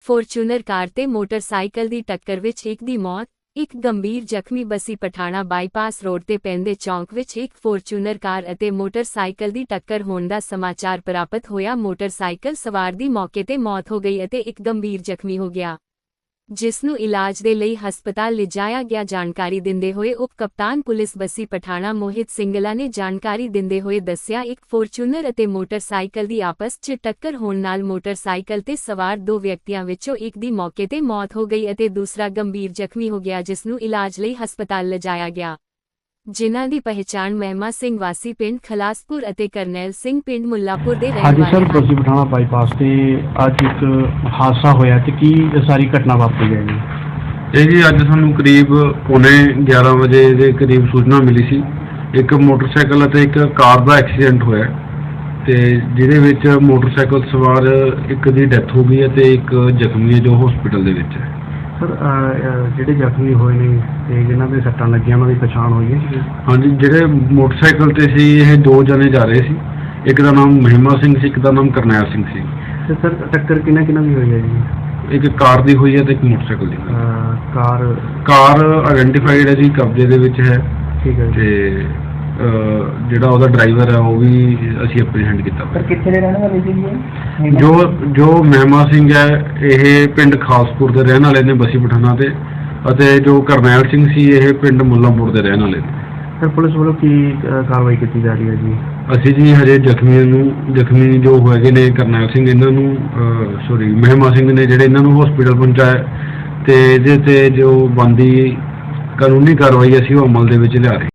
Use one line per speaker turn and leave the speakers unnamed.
Fortuner car ਤੇ motorcycle ਦੀ ਟੱਕਰ ਵਿੱਚ ਇੱਕ ਦੀ ਮੌਤ, ਇੱਕ ਗੰਭੀਰ ਜ਼ਖਮੀ। ਬੱਸੀ ਪਠਾਣਾ ਬਾਈਪਾਸ ਰੋਡ ਤੇ ਪੈਂਦੇ ਚੌਂਕ ਵਿੱਚ ਇੱਕ ਫੋਰਚੂਨਰ ਕਾਰ ਅਤੇ ਮੋਟਰਸਾਈਕਲ ਦੀ ਟੱਕਰ ਹੋਣ ਦਾ ਸਮਾਚਾਰ ਪ੍ਰਾਪਤ ਹੋਇਆ। ਮੋਟਰਸਾਈਕਲ ਸਵਾਰ ਦੀ ਮੌਕੇ ਤੇ ਮੌਤ ਹੋ ਗਈ ਅਤੇ ਇੱਕ ਗੰਭੀਰ ਜ਼ਖਮੀ ਹੋ ਗਿਆ, ਜਿਸ ਨੂੰ ਇਲਾਜ ਦੇ ਲਈ ਹਸਪਤਾਲ ਲਿਜਾਇਆ ਗਿਆ। ਜਾਣਕਾਰੀ ਦਿੰਦੇ ਹੋਏ ਉਪ ਕਪਤਾਨ ਪੁਲਿਸ ਬੱਸੀ ਪਠਾਣਾ ਮੋਹਿਤ ਸਿੰਗਲਾ ਨੇ ਜਾਣਕਾਰੀ ਦਿੰਦੇ ਹੋਏ ਦੱਸਿਆ, ਇੱਕ ਫੋਰਚੂਨਰ ਅਤੇ ਮੋਟਰਸਾਈਕਲ ਦੀ ਆਪਸ 'ਚ ਟੱਕਰ ਹੋਣ ਨਾਲ ਮੋਟਰਸਾਈਕਲ ਤੇ ਸਵਾਰ ਦੋ ਵਿਅਕਤੀਆਂ ਵਿੱਚੋਂ ਇੱਕ ਦੀ ਮੌਕੇ ਤੇ ਮੌਤ ਹੋ ਗਈ ਅਤੇ ਦੂਸਰਾ ਗੰਭੀਰ ਜ਼ਖਮੀ ਹੋ ਗਿਆ, ਜਿਸ ਨੂੰ ਇਲਾਜ ਲਈ ਹਸਪਤਾਲ ਲਿਜਾਇਆ ਗਿਆ, ਜਿਨ੍ਹਾਂ ਦੀ ਪਹਿਚਾਣ ਮਹਿਮਾ ਸਿੰਘ ਵਾਸੀ ਪਿੰਡ ਖਲਾਸਪੁਰ ਅਤੇ ਕਰਨੈਲ ਸਿੰਘ ਪਿੰਡ ਮੁੱਲਾਪੁਰ ਦੇ ਰਹਿਣ ਵਾਲੇ ਹਨ।
ਹਾਂਜੀ ਸਰ, ਬੱਸੀ ਪਠਾਣਾ ਬਾਈਪਾਸ ਤੇ ਅੱਜ ਇੱਕ ਹਾਦਸਾ ਹੋਇਆ ਤੇ ਕੀ ਸਾਰੀ ਘਟਨਾ ਵਾਪਰੀ ਹੈ ਜੀ?
ਇਹ ਜੀ ਅੱਜ ਸਾਨੂੰ ਕਰੀਬ ਪੌਣੇ 11 ਵਜੇ ਦੇ ਕਰੀਬ ਸੂਚਨਾ ਮਿਲੀ ਸੀ, ਇੱਕ ਮੋਟਰਸਾਈਕਲ ਅਤੇ ਇੱਕ ਕਾਰ ਦਾ ਐਕਸੀਡੈਂਟ ਹੋਇਆ ਤੇ ਜਿਹਦੇ ਵਿੱਚ ਮੋਟਰਸਾਈਕਲ ਸਵਾਰ ਇੱਕ ਦੀ ਡੈਥ ਹੋ ਗਈ ਹੈ ਤੇ ਇੱਕ ਜ਼ਖਮੀ ਹੈ ਜੋ ਹਸਪੀਟਲ ਦੇ ਵਿੱਚ ਹੈ।
ਸਰ ਜਿਹੜੇ ਜ਼ਖਮੀ ਹੋਏ ਨੇ ਤੇ ਜਿਨ੍ਹਾਂ ਦੇ ਸੱਟਾਂ ਲੱਗੀਆਂ ਉਹਨਾਂ ਦੀ ਪਛਾਣ ਹੋਈ ਹੈ?
ਹਾਂਜੀ, ਜਿਹੜੇ ਮੋਟਰਸਾਈਕਲ ਤੇ ਸੀ ਇਹ ਦੋ ਜਣੇ ਜਾ ਰਹੇ ਸੀ, ਇੱਕ ਦਾ ਨਾਮ ਮਹਿਮਾ ਸਿੰਘ ਸੀ, ਇੱਕ ਦਾ ਨਾਮ ਕਰਨੈਲ ਸਿੰਘ ਸੀ।
ਤੇ ਸਰ ਟੱਕਰ ਕਿਹਨਾਂ ਦੀ ਹੋਈ ਹੈ ਜੀ?
ਇੱਕ ਕਾਰ ਦੀ ਹੋਈ ਹੈ ਤੇ ਇੱਕ ਮੋਟਰਸਾਈਕਲ ਦੀ। ਕਾਰ ਆਇਡੈਂਟੀਫਾਈਡ ਹੈ ਜੀ, ਕਬਜ਼ੇ ਦੇ ਵਿੱਚ ਹੈ।
ਠੀਕ ਹੈ।
ਤੇ ਜਿਹੜਾ ਉਹਦਾ ਡਰਾਈਵਰ ਹੈ ਉਹ ਵੀ ਅਸੀਂ ਐਪਰੀਹੈਂਡ ਕੀਤਾ।
ਸਰ ਕਿੱਥੇ ਦੇ ਰਹਿਣ ਵਾਲੇ ਸੀ ਜੀ?
ਜੋ ਮਹਿਮਾ ਸਿੰਘ ਹੈ ਇਹ ਪਿੰਡ ਖਾਸਪੁਰ ਦੇ ਰਹਿਣ ਵਾਲੇ ਨੇ ਬੱਸੀ ਪਠਾਣਾ ਤੇ, ਅਤੇ ਜੋ ਕਰਨੈਲ ਸਿੰਘ ਸੀ ਇਹ ਪਿੰਡ ਮੁੱਲਾਂਪੁਰ ਦੇ ਰਹਿਣ ਵਾਲੇ ਨੇ।
ਸਰ ਪੁਲਿਸ ਵੱਲੋਂ ਕੀ ਕਾਰਵਾਈ ਕੀਤੀ ਜਾ ਰਹੀ ਹੈ ਜੀ?
ਅਸੀਂ ਜੀ ਹਜੇ ਜ਼ਖਮੀ ਜੋ ਹੋਏ ਨੇ ਕਰਨੈਲ ਸਿੰਘ ਇਹਨਾਂ ਨੂੰ ਮਹਿਮਾ ਸਿੰਘ ਨੇ ਜਿਹੜੇ ਇਹਨਾਂ ਨੂੰ ਹਸਪੀਟਲ ਪਹੁੰਚਾਇਆ ਤੇ ਇਹਦੇ ਤੇ ਜੋ ਬਣਦੀ ਕਾਨੂੰਨੀ ਕਾਰਵਾਈ ਅਸੀਂ ਉਹ ਅਮਲ ਦੇ ਵਿੱਚ ਲਿਆ ਰਹੇ।